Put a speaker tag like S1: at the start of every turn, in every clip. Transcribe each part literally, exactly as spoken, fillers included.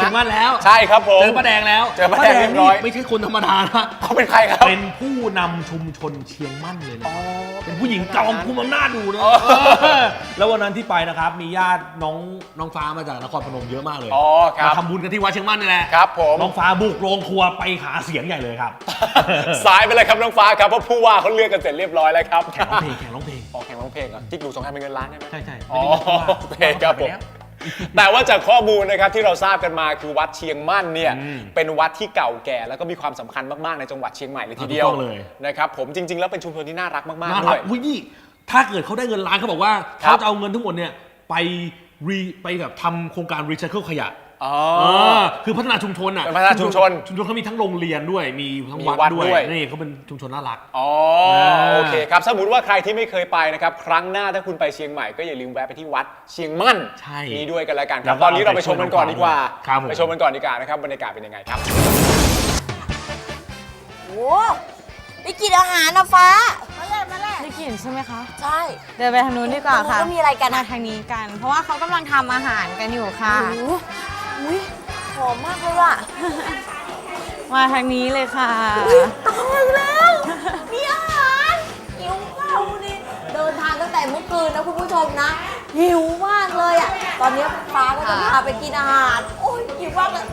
S1: ชียงมั่นแล้ว
S2: ใช่ครับผม
S1: เจอป้าแดงแล้ว
S2: เจอป้าแดงเรียบร้อย
S1: ไม่ใช่คนธรรมดานะ
S2: เขาเป็นใครครับ
S1: เป็นผู้นำชุมชนเชียงมั่นเลยนะเป็นผู้หญิงจอมคุมอำนาจดูนะแล้ววันนั้นที่ไปนะครับมีญาติน้องน้องฟ้ามาจากนครพนมเยอะมากเลยมาทำบุญกันที่วัดเชียงมั่นนี่แหละ
S2: ครับผม
S1: น้องฟ้าบุกโรงครัวไปหาเสียงใหญ่เลยครับ
S2: สายไปเลยครับน้องฟ้าครับเพราะผู้ว่าเขาเลือกกันเสร็จเรียบร้อยแล้วครับ
S1: แข่งร้องเพลงแข่งร้องเพลง
S2: อ๋อแข่งร้องเพลงอ่ะจิ๊กดูสงครามเป็นเงินล้านใช่ไหม
S1: ใช่ใช่
S2: อ๋อโอเคครับผมแต่ว่าจากข้อมูลนะครับที่เราทราบกันมาคือวัดเชียงมั่นเนี่ยเป็นวัดที่เก่าแก่แล้วก็มีความสำคัญมากๆในจังหวัดเชียงใหม่เลยทีเดียวนะครับผมจริงๆแล้วเป็นชุมชนที่น่ารักมากๆด้วย
S1: อุ้ยนี่ถ้าเกิดเขาได้เงินล้านเขาบอกว่าเขาจะเอาเงินทั้งหมดเนี่ยไปรีไปแบบทำโครงการรีไซเคิลขยะ
S2: อ๋อ
S1: คือพัฒนาชุมชนอ่ะ
S2: พัฒนาชุมชน
S1: ชุมชนเขามีทั้งโรงเรียนด้วยมีทั้งวัดด้วยนี่เขาเป็นชุมชนน่ารัก
S2: อ๋อโอเคครับสมมติว่าใครที่ไม่เคยไปนะครับครั้งหน้าถ้าคุณไปเชียงใหม่ก็อย่าลืมแวะไปที่วัดเชียงมั่นนี่ด้วยกันแล้วกันครับตอนนี้เราไปชมกันก่อนดีกว่าไปชมกันก่อนดีกว่านะครับบรรยากาศเป็นยังไงครับ
S3: โอ้ได้กินอาหารนะฟ้ามาเลยมาเลย
S4: ได้กลิ่นใช่ไหมคะ
S3: ใช่
S4: เดินไปทางนู้นดีกว่าค่ะ
S3: ก็มีอะไรกัน
S4: มาทางนี้กัน เพราะว่าเขากำลังทำอาหารกันอยู่ค่ะ
S3: อุ้ยหอมมากเลยอ่ะ
S4: มาทางนี้เลยค่ะ
S3: ตายแล้วมีอาหารหิวข้าวนี่เดินทางตั้งแต่เมื่อคืนนะคุณผู้ชมนะหิวมากเลยอ่ะตอนนี้ฟ้าก็จะพาไปกินอาหารโอ้ยหิวมากเลย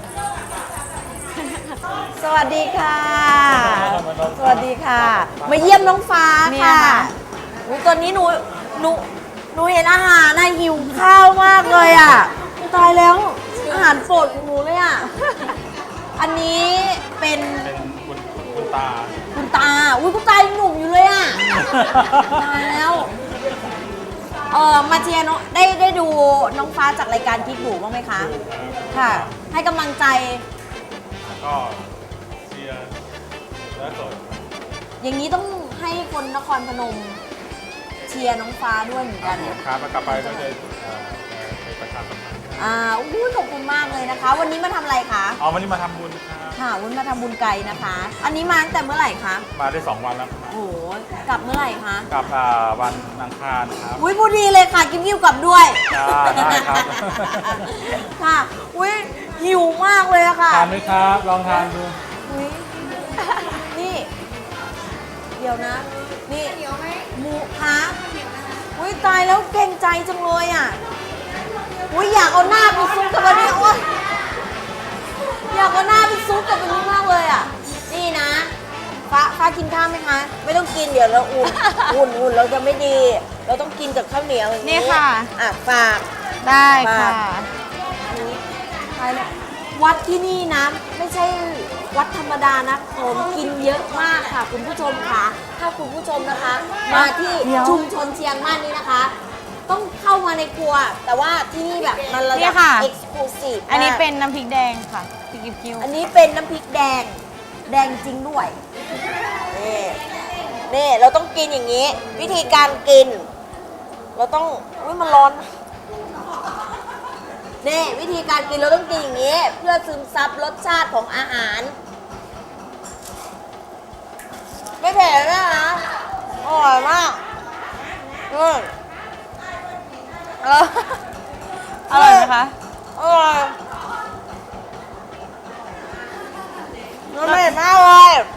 S3: สวัสดีค่ะสวัสดีค่ะมาเยี่ยมน้องฟ้าค่ะตอนนี้หนูหนูหนูเห็นอาหารน่ะหิวข้าวมากเลยอ่ะตายแล้วอาหารโปรดของหนูเลยอ่ะอันนี้เป็น
S1: คุณคุณตา
S3: คุณตาอุ้ยคุณตายังหนุ่มอยู่เลยอ่ะตายแล้วเออมาเชียร์น้องได้ได้ดูน้องฟ้าจากรายการกิ๊กบูบ้างไหมคะค่ะให้กำลังใจ
S1: ก็เชียร์และสด
S3: อย่างนี้ต้องให้คนนครพนมเชียร์น้องฟ้าด้วยเหมือนกัน
S1: ครับกลับไปก็จะไปประชาสัมพันธ์
S3: อ่าอู้ขอบคุณมากเลยนะคะ วันนี้มาทำอะไรคะ
S1: อ๋อวันนี้มาทำบุญครับ
S3: ค่ะวันมาทำบุญไกลนะคะ อันนี้มาตั้งแต่เมื่อไหร่คะ
S1: มาได้สองวันแล้ว
S3: โอ้โหกลับเมื่อไหร่คะ
S1: กลับวันอังคารครับ
S3: อุ้ยพอดีเลยค่ะกิมกิ้วกลับด้วย
S1: ได้ครับ
S3: ค่ะอุ้ยหิวมากเลยอะค่ะ
S1: ทานไหมครับลองทานดู
S3: อุ้ยนี่เดี๋ยวนะนี่หมูคะอุ้ยตายแล้วเก่งใจจังเลยอ่ะอุ้ยอยากเอาหน้าไปซุกกับอันนี้โอ๊ยอยากเอาหน้าไปซุกกับอันนี้มากเลยอ่ะนี่นะฟ้าฟ้ากินข้าวไหมคะไม่ต้องกินเดี๋ยวเราอุ่นอุ่นอุ่นเราจะไม่ดีเราต้องกินกับข้าวเหนียวอย่างนี้
S4: นี่ค่ะ
S3: อ่ะฝาก
S4: ได้ค่ะ
S3: วัดที่นี่นะไม่ใช่วัดธรรมดานะของกินเยอะมากค่ะคุณผู้ชมค่ะถ้าคุณผู้ชมนะคะมาที่ชุมชนเชียงมั่นนี่นะคะต้องเข้ามาในครัวแต่ว่าที่นี่แบบมันระดับเอ็กซ์คลูซีฟ
S4: อันนี้เป็นน้ำพริกแดงค่ะพริกกิ้ว
S3: อันนี้เป็นน้ำพริกแดงแดงจริงด้วยนี่นี่เราต้องกินอย่างนี้วิธีการกินเราต้องอุ้ยมันร้อนนี่วิธีการกินเราต้องกินอย่างนี้เพื่อซึมซับรสชาติของอาหารไม่เผ็ดนะคะอร่อยมากอืม
S4: อร่อยไหมคะ
S3: อร่อยมันเผ็ดมากเลย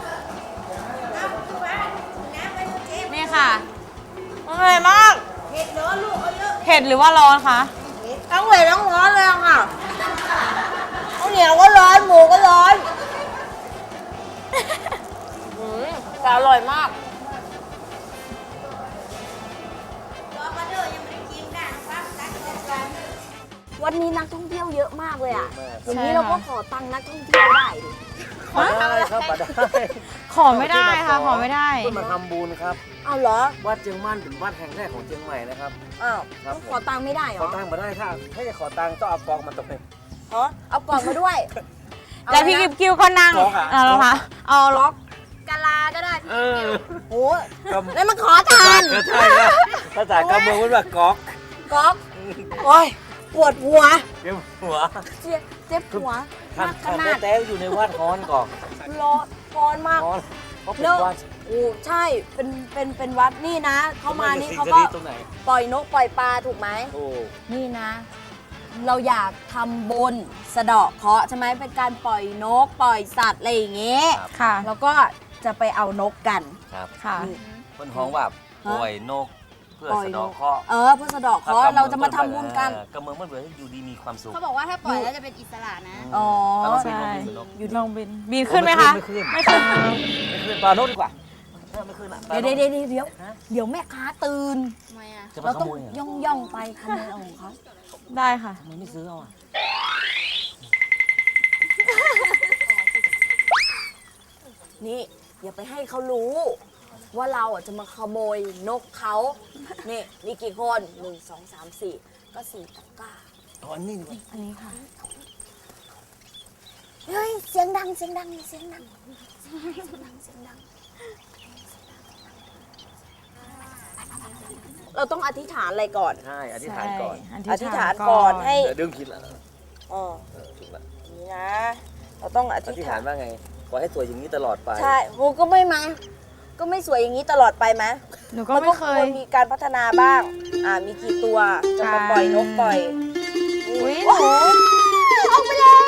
S4: นี่ค่ะ
S3: มันเผ็ดมากเผ็ดร้อนลูก
S4: เผ็ดหรือว่าร้อนคะ
S3: ทั้งเผ็ดทั้งร้อนเลยค่ะข้าวเหนียวก็ร้อนหมูก็ร้อนแต่อร่อยมากวันนี้นักท่องเที่ยวเยอะมากเลยอ่ะอย่างนี้เราก็ขอตังค์นักท่องเที่ยวได้ดิ
S5: ขอได้ครับขอได้
S4: ขอไม่ได้ค่ะขอไม่ได้
S5: เพื่อมาทำบุญครับ
S3: อ้าวเหรอ
S5: วัดเชียงมั่นเป็นวัดแห่งแรกของเชียงใหม่นะครับ
S3: อ้าวขอตังค์ไม่ได้เหรอ
S5: ขอตังค์มาได้ถ้าถ้าจะขอตังค์ต้องเอากองมาตกเลย
S3: เหรอเอากล่องมาด้วย
S4: แล้วพี่กิ๊บกิ้วก็นั่งเอาเหรอคะเอาล็อก
S3: กะลาก็ได้
S5: เออ
S3: โอ้แล้วมันขอทาน
S5: ใช่ครับภาษากำเมืองมันแบบก๊อก
S3: ก๊อกโอ้ยปวดหัว
S5: เจ็บหัว
S3: เจ็บเจ็บหัว
S5: มากขนาดแต่อยู่ในวัดฮ้อนก่อน
S3: ร้อนร้อนมาก
S5: เลิก
S3: โอ้ใช่เป็นเป็นเป็นวัดนี่นะเข้ามานี่เขาก็ปล่อยนกปล่อยปลาถูกไหมโอ้นี่นะเราอยากทำบุญสะเดาะเคราะห์ใช่ไหมเป็นการปล่อยนกปล่อยสัตว์อะไรอย่างเงี้ย
S4: ค่ะ
S3: แล้วก็จะไปเอานกกัน
S5: ครับ
S4: ค่ะ
S5: บนห้องแบบปล่อยนกเพื่อสะเดอกเคราะห์
S3: เออเพื่อสะเดาะเคราะห์เราจะมาทำบุญกัน
S5: เออกำเมืองมันเหมือนอยู่ดีมีความสุข
S6: เขาบอกว่าถ้าปล่อยแล้วจะเป็นอิสระนะ
S3: อ๋อ
S5: แล้วก็
S4: ใช่
S5: บินนก
S4: อยู่ลองบิน บินขึ้นไหมคะ
S5: ไม่ขึ้น
S4: ไม่ขึ้น
S5: ไม่ขึ้นปลาโนกดีกว่าเออไม่ขึ้นอะปลา
S3: เดี๋ยว
S5: โน
S3: เดี๋
S5: ก
S3: ยวเดี๋ยวเดี๋ยวเดี๋ยวแม่ค้าตื่น
S6: ทำไมอ่ะ
S5: จะมา
S3: เรา
S5: ข
S3: ต้อง
S5: โมยเหรอย่
S3: องย่องๆไปขโมยเอาของเขา
S4: ได้ค่ะ
S5: ทำไมไม่ซื้อเอาอ่ะ
S3: นี่อย่าไปให้เขารู้ ว่าเราอ่ะจะมาขโมยนกเขานี่มีกี่คนหนึ่งสองสามสี่ก็สี่ตะกร้า
S5: เอาอันนี้ดีกว่า
S4: อันนี้ค่ะ
S3: เฮ้ยเสียงดังเสียงดังเสียงดังเสียงดังเสียงดังเราต้องอธิษฐานอะไรก่อน
S5: ใช่อธิษฐานก่อน
S4: ใช่
S3: อธิษฐานก่อนให้
S5: เดี๋ยวดึงผิดแล้ว
S3: อ๋อ
S5: เออถูกแล้ว
S3: นี่นะ เราต้องอ
S5: อ
S3: ธิ
S5: ธิ
S3: ษ
S5: ษ
S3: ฐา
S5: ฐาน นว่าไงขอให้สวยอย่างนี้ตลอดไป
S3: ใช่โหก็ไม่มา ก็ไม่สวยอย่างนี้ตลอดไปไหม
S4: หนูก็
S3: มัน
S4: ไม่
S3: ก็
S4: เค
S3: คว
S4: ย
S3: รมีการพัฒนาบ้าง อ่า มีกี่ตัว จะมาปล่อยนกปล่อย
S4: อุ๊ย
S3: โอ้โหเอาไปแล้ว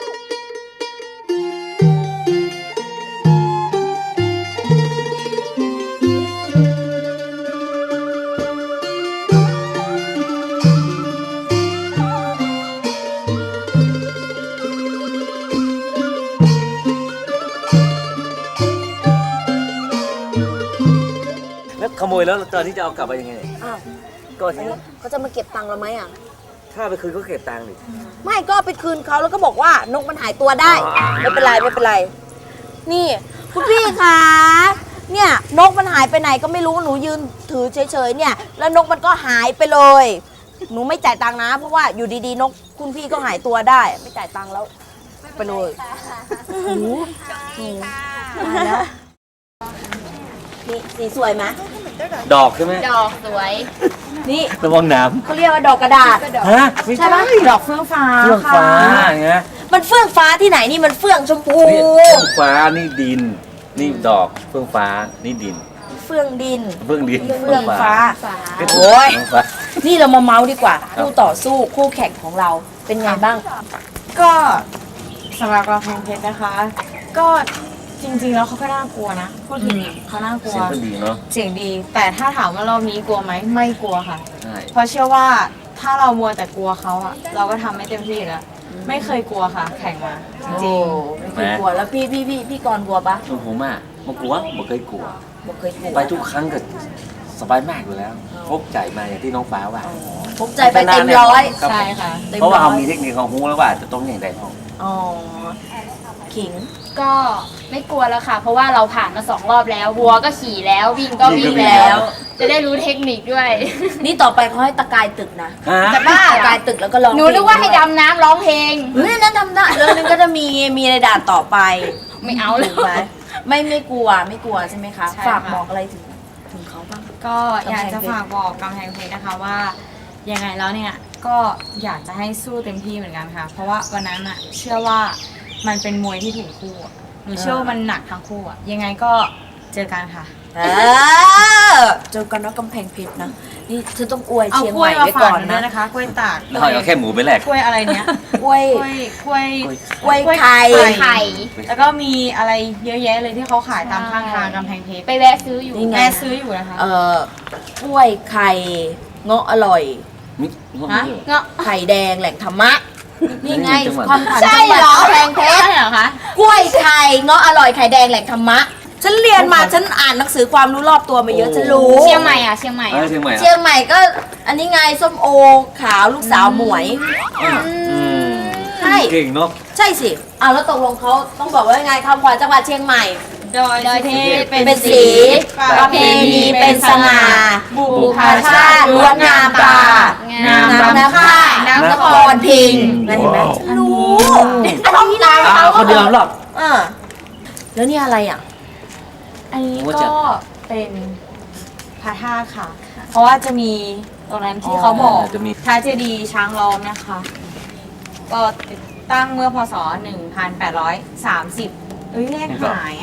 S5: แล้วขโมยแล้วตอนที่จะเอากลับไปยังไง
S3: อ้าว
S5: ก็ที่
S3: เขาจะมาเก็บตังค์เราไหมอ่ะ
S5: ถ้าไปคืนก็เก็บตังค์ดิ
S3: ไม่ก็เอาไปคืนเขาแล้วก็บอกว่านกมันหายตัวได้ ไม่เป็นไรไม่เป็นไร นี่คุณพี่คะเนี่ยนกมันหายไปไหนก็ไม่รู้หนูยืนถือเฉยๆเนี่ย แล้วนกมันก็หายไปเลย หนูไม่จ่ายตังค์นะ เพราะว่าอยู่ดีๆนกคุณพี่ก็หายตัวได้ ไม่จ่ายตังค์แล้วไปเลยโอ้โหตายแล้วนี่สีสวยไหม
S5: ดอกใช่ไหม
S6: ดอกสวย
S3: นี่
S5: ระวังน้
S3: เขาเรียกว่าดอกกระดาษ
S5: ำฮะไม่
S3: ใช่
S5: ใช่
S3: ไหม
S4: ดอกเฟื่องฟ้า
S5: เฟื่องฟ้าไง
S3: มันเฟื่องฟ้าที่ไหนนี่มันเฟื่องชมพู
S5: นี่เฟื่องฟ้านี่ดิน นี่ดอกเฟื่องฟ้านี่ดิน
S3: เฟื่องดิน
S5: เฟื่องดิน
S3: เฟื่องฟ้า
S5: เป็น
S3: โอ้ย
S5: เฟื่องฟ้า
S3: นี่เรามาเมาส์ดีกว่า คู่ต่อสู้คู่แข่งของเราเป็นไงบ้าง
S4: ก็สำหรับกระแพงเพชรนะคะ ก็จริงๆแล้วเขาก็น่ากลัวนะพูดถึงเขาน่ากลัว
S5: เสียงก็ดีเนาะ
S4: เสียงดี แต่ถ้าถามว่ารอบนี้กลัวไหมไม่กลัวค่ะ
S5: ใช่
S4: เพราะเชื่อว่าถ้าเรามัวแต่กลัวเขาอะเราก็ทำไม่เต็มที่แล้ว ไม่เคยกลัวค่ะ แข่งมาจริง
S3: ไม่เคยกลัวแล้วพี่พี่พี่พี่กรณ์กลัวปะ
S5: ส่วนผมอ่ะมากลัวไม่เคยกลัว
S3: บอกเคยกลัว
S5: ไปทุกครั้งก็สบายมากอยู่แล้วพกใจมาอย่างที่น้องฟ้าว่า
S3: พกใจไปเต็มร้อย
S5: ครับ
S4: ใช่ค่ะ
S3: ต็ม
S5: เพราะว่า
S3: อย
S5: เขามีเทคนิคของฮูแล้วว่าจะต้องอย่างไรห้อง
S3: อ๋อขิง
S6: ก็ไม่กลัวแล้วค่ะ เพราะว่าเราผ่านมาสองรอบแล้ววัวก็ขี่แล้ววิ่งก็วิ่งแล้ว จะได้รู้เทคนิคด้วย
S3: นี่ต่อไปเขาให้ตะกายตึกนะ
S5: ฮะ
S6: แต่บ้า
S3: ตะกายตึกแล้วก็ร้อง
S6: หนูนึกว่าให้ดำน้ำร้องเพลง
S3: เฮ้ยนั่นทำได้แล้วนึงก็จะมีมีในด่านต่อไป
S6: ไม่เอาเลย
S3: ถูกไหมไม่ไม่กลัวไม่กลัวใช่ไหมคะ
S4: ใช่
S3: ฝาก
S4: ค่ะ
S3: บอกอะไรถึงถึงเขาบ้าง
S4: ก็อยากจะฝากบอกกำแพงเพชรนะคะว่ายังไงแล้วเนี่ยก็อยากจะให้สู้เต็มที่เหมือนกันค่ะ เพราะว่าวันนั้นอะเชื่อว่ามันเป็นมวยที่ถูกคู่อะหนูเชื่อว่ามันหนักทั้งคู่อะยังไงก็เจอกันค่ะ
S3: เออเจอกันนะกำแพงเพชรนะ นี่เธอต้องอวย
S4: เอา
S3: เชียง
S4: ก
S3: ให
S4: ล้วย
S3: ม่
S4: มา
S3: ไว้
S4: ฝา
S3: ก่
S4: ก
S3: อน
S4: หนูด้ว
S3: นะ
S4: ยนะคะกล้วยตาก
S5: แล้วเอาแค่หมูไปแลก
S4: กล้วยอะไรเนี้ย
S3: กล้วย
S4: กล้วยกล้วย
S3: กล้วยไข่
S6: ไข่
S4: แล้วก็มีอะไรเยอะแยะเลยที่เขาขายตามข้างทางกำแพงเพชร
S6: ไปแวะซื้ออยู่
S3: นี่ไง
S4: แม่ซื้ออยู่นะคะ
S3: เอ่อกล้วยไข่เงาะอร่อย
S5: มิงบ
S3: ฮะ
S5: เยอ
S6: เงาะ
S3: ไข่แดงแหล่งธรรมะ นี่ไง
S5: จังหวัด
S3: ความผ่าน
S6: ใช่
S3: จังหวัด
S6: เหรอ
S3: กำแพงเพชร
S4: ใช่เหรอคะ
S3: กล้วยไข่เงาะอร่อยไข่แดงแหล่งธรรมะ ฉันเรียนมาฉันอ่านหนังสือความรู้รอบตัวมาเยอะฉันรู้
S6: เชียงใหม่อ่ะเชียงใหม่
S5: เออ
S6: อะ
S5: เชียงใหม่
S3: เชียงใหม่ก็อันนี้ไงส้มโอขาวลูกสาวหมวย
S5: อืม
S3: ใช่
S5: เก่งเนาะ
S3: ใช่สิอ่าแล้วตกลงเขาต้องบอกว่ายังไงคำขวัญจังหวัดเชียงใหม่
S4: โดยประเทศ
S3: เป็นสีประเพณีเป็นสง่า
S4: บุ
S3: บุ
S4: พ
S3: พชาติล้วนงามตา
S6: งาม
S3: น้ำน้ำค่ายน้ำนครพิงค์นั่นเห็นไหมรู้อันนี้นะ
S5: อ่าคนเดียวหรอก
S3: อ่าแล้วนี่อะไรอ่ะ
S4: อันนี้
S5: ว่าจะ
S4: ก็เป็นพระธาตุค่ะ เพราะว่าจะมีตรงนั้นที่เขาบอก
S5: จะมี
S4: พระเจดีย์ช้างล้อมนะคะ ก็ติดตั้งเมื่อพศ หนึ่งพันแปดร้อยสามสิบ เอ้ยเลขหายอ่ะ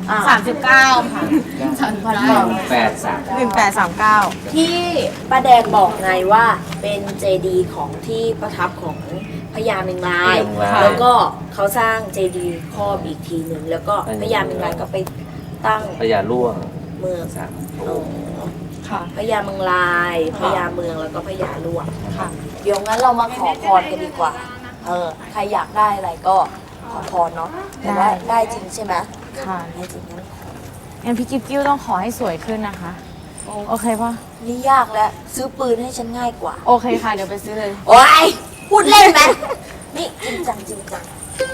S3: อ่า
S4: สามสิบเก้าค่ะสามพันเก้า
S5: แปดสาม
S4: หนึ่งแปดสามเก้า
S3: ที่ป้าแดงบอกไงว่าเป็นเจดีย์ของที่ประทับของพญาเมงราย แล้วก็เขาสร้างเจดีย์ครอบอีกทีหนึ่งแล้วก็พญาเมงรายก็ไปตั้ง
S5: พญาล่วง
S3: เมือง
S5: สาม
S3: อ๋อ
S4: ค่ะ
S3: พญาเมงรายพญาเมืองแล้วก็พญาลวง
S4: ค่ะ
S3: เดี๋ยวงั้นเรามาขอพรกันดีกว่า เออใครอยากได้อะไรก็ขอพรเนาะแต่ว่าได้จริงใช่ไหม
S4: ค่ะ
S3: ได้จริงงั้นขอ
S4: งั้นพี่กิ๊บกิ้วต้องขอให้สวยขึ้นนะคะ โอเคปะ
S3: นี่ยากแล้วซื้อปืนให้ฉันง่ายกว่า
S4: โอเคค่ะ เดี๋ยวไปซื้อเลย
S3: โอ้ยพูดเล่นไหมนี่จริงจังจริงจัง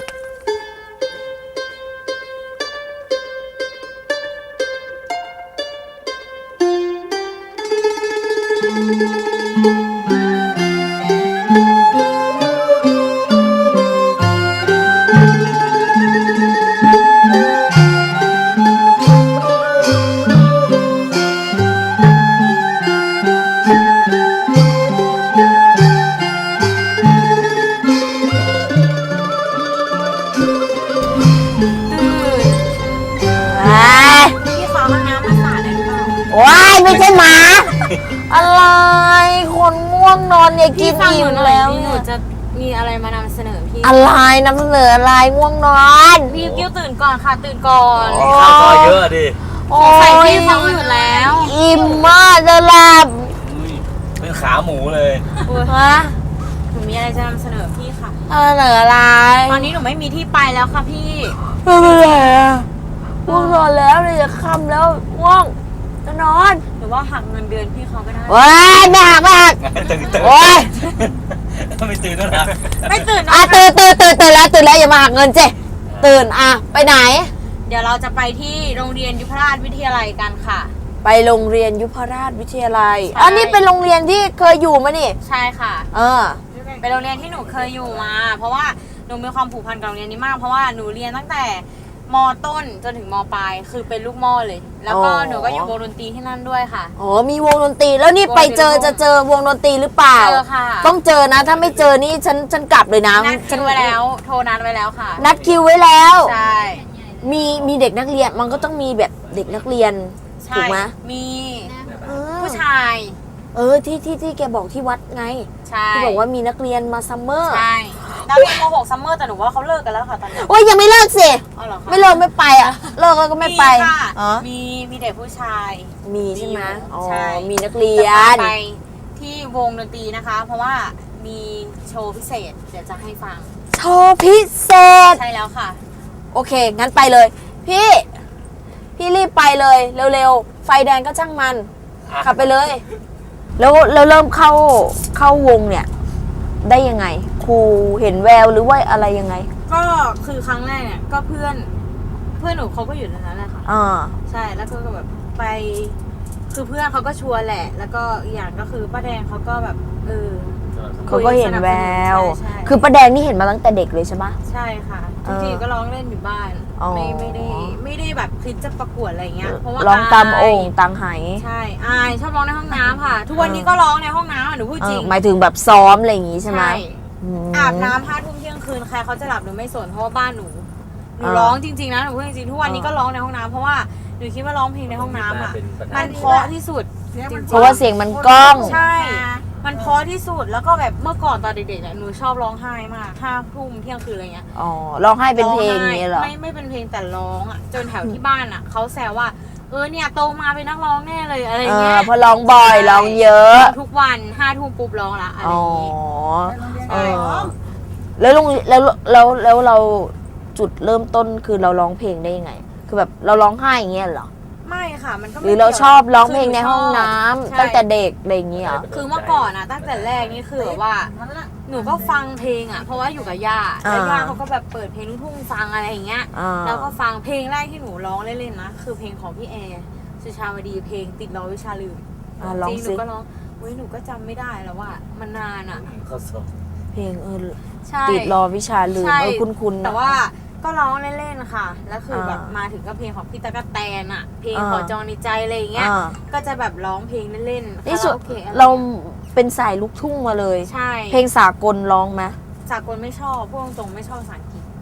S4: พี่ขอห้องน้ำมาสาดได้หรือเปล่า
S3: ว้ายไม่ใช่หมา อะไร คนง่วงนอนเนี่ยกิ
S4: พี่
S3: น
S4: ฟังห
S3: อิ่
S4: นู
S3: ม
S4: หน่อย
S3: แล้ว
S4: พี่หนู
S3: เนี่ย
S4: จะมีอะไรมานำเสนอพี่
S3: อะไรนำเสนออะไรง่วงนอน
S4: พี่กิ้วตื่นก่อนค่ะ ตื่นก่อน
S5: ข้าวซอยเยอะดิ
S3: โอ้
S4: ใส่
S3: ย
S4: พี่ฟังอยู่แล้ว
S3: อิ่มมากจะหลับ
S5: อุ้ยเป็นขาหมูเลย
S3: ฮะ
S4: หนูมีอะไรจะนำเสนอพี่ค่ะ
S3: นำเสนออะไร
S4: ตอนนี้หนูไม่มีที่ไปแล้วค่ะพี่
S3: ไม่เป็นไรอะง่วงนอนแล้วเลยจะค่ำแล้วง่วงจะนอน
S4: หรือว่าหักเงินเดือนพี่เขาก็ได้
S3: ว้ายไม่หักไม่หัก
S5: ตื่นตื่น
S3: โอ้ย
S5: ไม่ตื่นแล้วนะ
S4: ไม่ตื่น
S3: อ่ะ
S4: นะ
S3: ตื่นตื่นตื่นตื่นแล้วตื่นแล้วอย่ามาหักเงินเจตื่นอ่ะไปไหน
S4: เดี๋ยวเราจะไปที่โรงเรียนยุพราชวิทยาลัยกันค่ะ
S3: ไปโรงเรียนยุพราชวิทยาลัย
S4: ใช่
S3: อันนี้เป็นโรงเรียนที่เคยอยู่มานี่
S4: ใช่ค่ะ
S3: เออ
S4: เป็นโรงเรียนที่หนูเคยอยู่มา เพราะว่าหนูมีความผูกพันกับโรงเรียนนี้มาก เพราะว่าหนูเรียนตั้งแต่มต้นจนถึงมปลายคือเป็นลูกหม้อเลย แล้วก็
S3: อ๋อ
S4: หนูก็อยู่วงดนตรีที่นั่นด้วยค่ะ
S3: อ๋อมีวงดนตรีแล้วนี่ไปเจอจะเจอวงดนตรีหรือเปล่า
S4: เจอค่ะ
S3: ต้องเจอนะ ถ้าไม่เจอนี่ฉันฉันกลับเลยนะ
S4: นัด
S3: ฉั
S4: คิวไว้แล้ว โทรนัดไว้แล้วค่ะ
S3: นัดคิวไว้แล้ว
S4: ใช่
S3: มีมีเด็กนักเรียนมันก็ต้องมีแบบเด็กนักเรียน
S4: ใช่
S3: ถูกไหม
S4: มี
S3: เออ
S4: ผู้ชาย
S3: เออที่ที่ที่แกบอกที่วัดไง
S4: ใช่
S3: ที่บอกว่ามีนักเรียนมาซัมเมอร์
S4: ใช่นักเรียนม .หก ซัมเมอร์แต่หนูว่าเขาเลิกกันแล้วค่ะตอนนี้
S3: โอ้ยยังไม่เลิกสิ
S4: อ๋อเหรอคะ
S3: ไม่เลิกไม่ไปอ่ะ เลิกแล้วก็ไม่ไป
S4: ค่ะ
S3: อ๋อ
S4: มีมีเด็กผู้ชาย
S3: มีใช่ไหมอ๋อ
S4: ใช่
S3: มีนักเรีย
S4: จะ
S3: น
S4: พาไปที่วงดนตรีนะคะ เพราะว่ามีโชว์พิเศษ เดี๋ยวจะให้ฟัง
S3: โชว์พิเศษ
S4: ใช่แล้วค่ะ
S3: โอเค งั้นไปเลย พี่ พี่รีบไปเลย เร็วๆ ไฟแดงก็ช่างมัน ขับไปเลย แล้วแล้วเริ่มเข้าเข้าวงเนี่ย ได้ยังไง ครูเห็นแววหรือว่าอะไรยังไง
S4: ก็คือครั้งแรกเนี่ยก็เพื่อนเพื่อนหนูเขาก็อยู่ในนั้นแหละค่ะ
S3: อ่า
S4: ใช่แล้วก็แบบไป คือเพื่อนเขาก็ชวนแหละ แล้วก็อีกอย่างก็คือป้าแดงเขาก็แบบเออ
S3: เขาก็เห็นแวว
S4: ใช่ใช่
S3: คือประแดงนี่เห็นมาตั้งแต่เด็กเลยใช่ปะ
S4: ใช่ค่ะ
S3: เอ
S4: ทุก
S3: อ
S4: ทีก็ร้องเล่นอยู่บ้าน
S3: อ๋อ
S4: ไม่ไม่ได้ไม่ได้แบบคิดจะประกวดอะไรเงี้ยเพราะว่า
S3: ร้องตามโอ่ง
S4: ย
S3: ตังไห
S4: ใช่อายชอบร้องในห้องน้ำค่ะ ทุกวันนี้ก็ร้องในห้องน้ำอ่ะหนูพูด
S3: เอ
S4: จริ
S3: อง หมายถึงแบบซ้อมอะไรอย่างงี้ใช่ไหมอืม
S4: อาบน้ำห้าทุ่มเที่ยงคืนใครเขาจะหลับหนูไม่สนเพราะว่าบ้านหนูหนู
S3: อ่า
S4: ร้องจริงๆนะหนูพูดจริงๆทุกวันนี้
S3: อ่า
S4: ก็ร้องในห้องน้ำเพราะว่าหนูคิดว่าร้องเพลงในห้องน้ำอ่ะ
S5: เป็นปัญหา
S4: มันเพราะที่สุดจริงๆ
S3: เพราะว่าเสียงมันก้อง
S4: ใช่ มันเพราะที่สุดแล้วก็แบบเมื่อก่อนตอนเด็กๆเนี่ยหนูชอบร้องไห้มากห้าทุ่มเที่ยงคืนอะไรเงี้ย
S3: อ๋อร้องไห้เป็นเพลงอย่างนี้เหรอ
S4: ไม่ไม่เป็นเพลงแต่ร้องอ่ะจนแถวที่บ้านอ่ะเขาแซวว่าเออเนี่ยโตมาเป็นนักร้องแน่เลยอะไร
S3: เอ
S4: เงี้
S3: อย เพราะร้องบ่อยร้องเยอะ
S4: ทุกวันห้าทุ่มปุ๊บร้องละอะไร
S3: อ๋อ
S4: อย่างงี้
S3: เออแล้วลงแล้วแล้วแล้วเราจุดเริ่มต้นคือเราร้องเพลงได้ยังไง คือแบบเราร้องไห้อย่างเงี้ยเหรอ
S4: ไม่ค่ะมันก็ไม่
S3: หรือเรา
S4: กี่ยว
S3: ชอบร้องเพลงในห้องน้ำ
S4: ใช่
S3: ตั้งแต่เด็กอะไรอย่างเงี้ยเหรอ
S4: คือเมื่อก่อนอะตั้งแต่แรกนี่คือแบบว่าหนูก็ฟังเพลงอะเพราะว่าอยู่กับย่าแล้ว
S3: อ่า
S4: ย่าเขาก็แบบเปิดเพลงลูกทุ่งฟังอะไรอย่างเงี้ย
S3: อ่า
S4: แล้วก็ฟังเพลงแรกที่หนูร้องเล่นๆนะคือเพลงของพี่แอร์สุชาวดีเพลงติดล้อวิชาลืม
S3: อ่ะร้อง
S4: จริงหนู
S3: สิ
S4: ก็ร้องเว้ยหนูก็จำไม่ได้แล้วว่ามันนานอะ
S5: เขาสอบ
S3: เพลงเออ
S4: ใช่
S3: ติดรอวิชาลืม
S4: ใช่
S3: เออคุ้นๆนะ
S4: แต่ว่าก็ร้องเล่นๆค่ะแล้วคือแบบ
S3: อ่าม
S4: มาถึงก็เพลงของพี่ตะกะแตนอะเพลง
S3: อ่า
S4: ขอจองในใจอะไรอย่างเงี้ย
S3: อ่า
S4: ก็จะแบบร้องเพลงเล่นๆ
S3: นี่สุด
S4: คาราโอเกะอะไร
S3: เราเป็นสายลูกทุ่งมาเลย
S4: ใช่
S3: เพลงสากลร้องไหม
S4: สากลไม่ชอบพูดตรงๆไม่ชอบภาษาอังกฤษ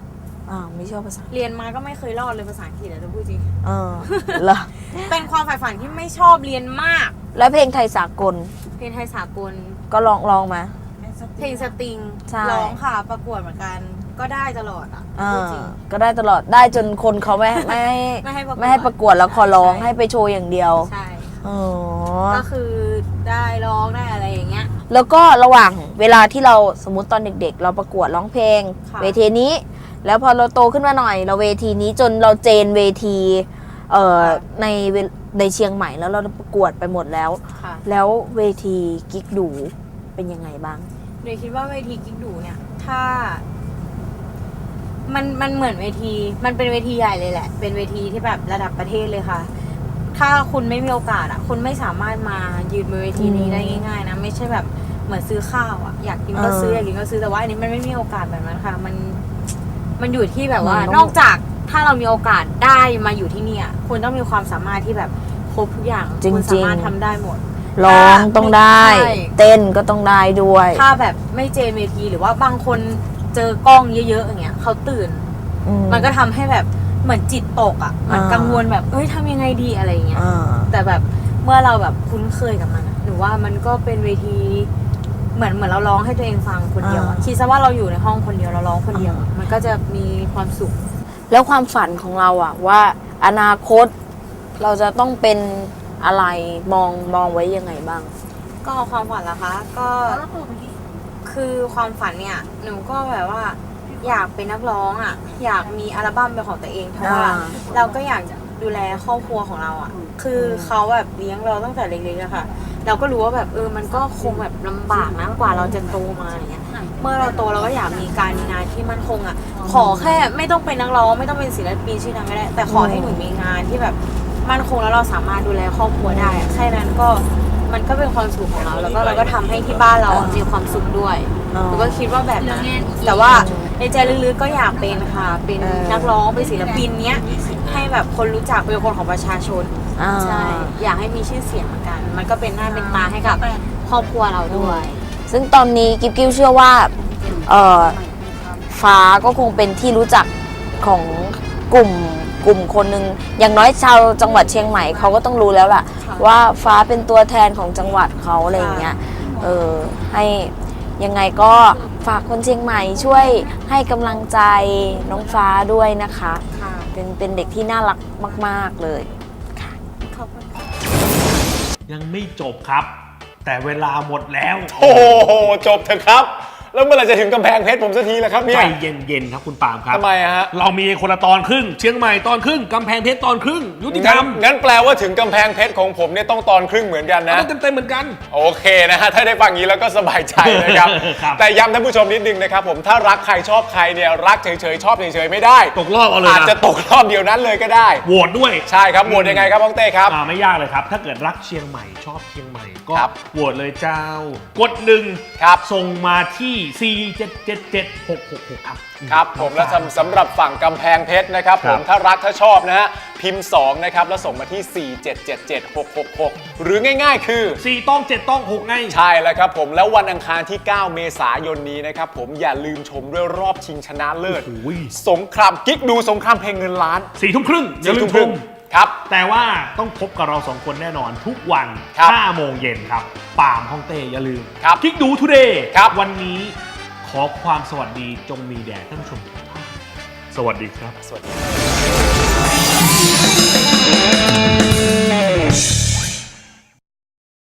S3: อ่าไม่ชอบภาษา
S4: เรียนมาก็ไม่เคยรอดเลยภาษาอังกฤษอะจะพูดจริง
S3: เออเหรอ
S4: เป็นความใฝ่ฝันที่ไม่ชอบเรียนมาก
S3: แล้วเพลงไทยสากล
S4: เพลงไทยสากล
S3: ก็ลองลองมา
S4: เพลงสตริง
S3: ใช่
S4: ร้องค่ะประกวดเหมือนกัน ก็ได้ตลอดอ่ะ
S3: อ่า
S4: พูดจริง
S3: ก็ได้ตลอดได้จนคนเขาไม่ไม่ให้
S4: ไม่ให้ประกวด
S3: ไม่ให้ประกวดแล้วขอร้อง
S4: ใช่
S3: ให้ไปโชว์อย่างเดียว
S4: ใช่
S3: อ๋อ
S4: ก็คือได้ร้องได้อะไรอย่างเงี้ย
S3: แล้วก็ระหว่างเวลาที่เราสมมติตอนเด็กๆ เราประกวดร้องเพลง
S4: ค่ะ
S3: เวทีนี้ แล้วพอเราโตขึ้นมาหน่อย เราเวทีนี้จนเราเจนเวทีเอ่อในเวในเชียงใหม่แล้วเราประกวดไปหมดแล้ว
S4: ค่ะ
S3: แล้วเวทีกิ๊กดูเป็นยังไงบ้าง
S4: เดยคิดว่าเวทีกิ๊กดูเนี่ย ถ้า มันมันเหมือนเวที มันเป็นเวทีใหญ่เลยแหละ เป็นเวทีที่แบบระดับประเทศเลยค่ะ ถ้าคุณไม่มีโอกาสอ่ะ คุณไม่สามารถมายืนบนเวทีนี้ได้ง่ายๆนะ ไม่ใช่แบบเหมือนซื้อข้าวอ่ะ อยากกินก็ซื้อ
S3: เออ
S4: อยากกินก็ซื้อ แต่ว่าอันนี้มันไม่มีโอกาสแบบนั้นค่ะ มัน มันอยู่ที่แบบว่า
S3: มันต้อง
S4: นอกจากถ้าเรามีโอกาสได้มาอยู่ที่เนี่ย คุณต้องมีความสามารถที่แบบครบทุกอย่าง
S3: จริงๆ
S4: คุณสามารถทำได้หมด
S3: ร้องต้องได้
S4: ใช่
S3: เต้นก็ต้องได้ด้วย
S4: ถ้าแบบไม่เจนเวทีหรือว่าบางคนเจอกล้องเยอะๆอย่างเงี้ยเขาตื่น
S3: อื
S4: มันก็ทำให้แบบเหมือนจิตตกอ่ะเหมือน
S3: อ่า
S4: กังวลแบบเอ้ยทำยังไงดีอะไรอย่างเงี้ย
S3: อ่า
S4: แต่แบบเมื่อเราแบบคุ้นเคยกับมันอะหรือว่ามันก็เป็นเวทีเหมือนเหมือนเราร้องให้ตัวเองฟังคนเดียวอะ
S3: อ่า
S4: คิดซะว่าเราอยู่ในห้องคนเดียวเราร้องคนเดียวอะมันก็จะมีความสุข
S3: แล้วความฝันของเราอะว่าอนาคตเราจะต้องเป็นอะไรมองมองไว้ยังไงบ้าง
S4: ก็ความฝันล่ะคะ ก็คือความฝันเนี่ยหนูก็แบบว่าอยากเป็นนักร้องอ่ะ อยากมีอัลบั้มเป็นของตัวเองเพราะว่า
S3: อ่า
S4: เราก็อยากจะดูแลครอบครัวของเราอ่ะ คือเขาแบบเลี้ยงเราตั้งแต่เล็กๆอะค่ะ เราก็รู้ว่าแบบเออมันก็คงแบบลำบากนะกว่าเราจะโตมาอย่างเงี้ย เมื่อเราโตเราก็อยากมีการมีงานที่มั่นคงอ่ะ ขอแค่ไม่ต้องเป็นนักร้องไม่ต้องเป็นศิลปินชื่อดังก็ได้ แต่ขอให้หนูมีงานที่แบบมั่นคงแล้วเราสามารถดูแลครอบครัวได้อะแค่นั้นก็มันก็เป็นความสุขของเรา แล้วก็เราก็ทำให้ที่บ้านเราอะมีความสุขด้วย
S3: อ๋อ
S4: หนูก็คิดว่าแบบนั้นแต่ว่าในใจลึกๆก็อยากเป็นค่ะ เป็น
S3: เออ
S4: นักร้องเป็นศิลปินเนี้ยให้แบบคนรู้จักเป็นคนของประชาชน
S3: อ่า
S4: ใช่ อยากให้มีชื่อเสียงเหมือนกัน มันก็เป็นหน้าเป็นตาให้กับครอบครัวเราด้วย
S3: ซึ่งตอนนี้กิ๊บกิ้วเชื่อว่าเอ่อฟ้าก็คงเป็นที่รู้จักของกลุ่มกลุ่มคนหนึ่งอย่างน้อยชาวจังหวัดเชียงใหม่เขาก็ต้องรู้แล้วล่ะ
S4: ค่ะ
S3: ว่าฟ้าเป็นตัวแทนของจังหวัดเขาอะไรอย่างเงี้ยเออให้ยังไงก็ฝากคนเชียงใหม่ช่วยให้กำลังใจน้องฟ้าด้วยนะคะ
S4: ค่ะ
S3: เป็นเป็นเด็กที่น่ารักมาก ๆ เลย
S4: ขอบคุณค่ะ
S1: ยังไม่จบครับ แต่เวลาหมดแล้ว
S2: โอ้โหจบเถอะครับ แล้วเมื่อไหร่จะถึงกำแพงเพชรผมสักทีล่ะครับเนี่
S1: ใจ
S2: ย
S1: เย็นๆครับคุณปาล์มครับ
S2: ทำไมอะฮะ
S1: เรามีคนละตอนครึ่ง เชียงใหม่ตอนครึ่งกำแพงเพชรตอนครึ่ง ยุติธร
S2: งั้
S1: ร
S2: น
S1: ม
S2: งั้นแปลว่าถึงกำแพงเพชรของผมเนี่ยต้องตอนครึ่งเหมือนกันนะ
S1: ต้องเต็มๆเหมือนกัน
S2: โอเคนะฮะถ้าได้ฟังอย่างนี้แล้วก็สบายใจนะครับ
S1: ครับ
S2: แต่ย้ำท่านผู้ชมนิดนึงนะครับผมถ้ารักใครชอบใครเนี่ยรักเฉยๆชอบเฉยๆไม่ได้
S1: ตกรอบเอาเลย
S2: อาจ
S1: นะ
S2: จะตกรอบเดียวนั้นเลยก็ได้
S1: โหวตด้วย
S2: ใช่ครับโหวตยังไงครับน้องเต้ครับ
S1: อ่าไม่ยากเลยครับ ถ้าเกิดรักเชียงใหม่ชอบเชียงใหม่ก็
S2: ครับ
S1: โหวตเลยเจ้า กดหนึ่ง
S2: ครับ
S1: ส่งมาที่ สี่ เจ็ด เจ็ด เจ็ด หก หก หก ครับ
S2: ครับผมและสำสำหรับฝั่งกำแพงเพชรนะครับผม
S1: ครับ
S2: ถ้ารักถ้าชอบนะฮะพิมพ์สองนะครับแล้วส่งมาที่ สี่ เจ็ด เจ็ด เจ็ด หก หก หก หรือง่ายๆ คือ
S1: สี่ต้องเจ็ดต้องหกไง
S2: ใช่แล้วครับผมแล้ววันอังคารที่ เก้า เมษายนนี้นะครับผมอย่าลืมชมด้วยรอบชิงชนะเลิศ
S1: โอ้ย
S2: สงครามกิ๊กดูสงครามเพลงเงินล้าน
S1: สี่ทุ่มครึ่งอย่าลืม
S2: สี่
S1: ช
S2: ทุ่
S1: ม
S2: ครับ
S1: แต่ว่าต้องพบกับเราสองคนแน่นอนทุกวัน
S2: ครับ
S1: ห้าโมงเย็นครับปามฮ่องเต้อย่าลืม
S2: ครับ
S1: คลิกดูทูเดย์
S2: ครับ
S1: วันนี้ขอความสวัสดีจงมีแด่ท่านผู้ชมทุกท่านสวัสดีครับ
S2: สวัสดี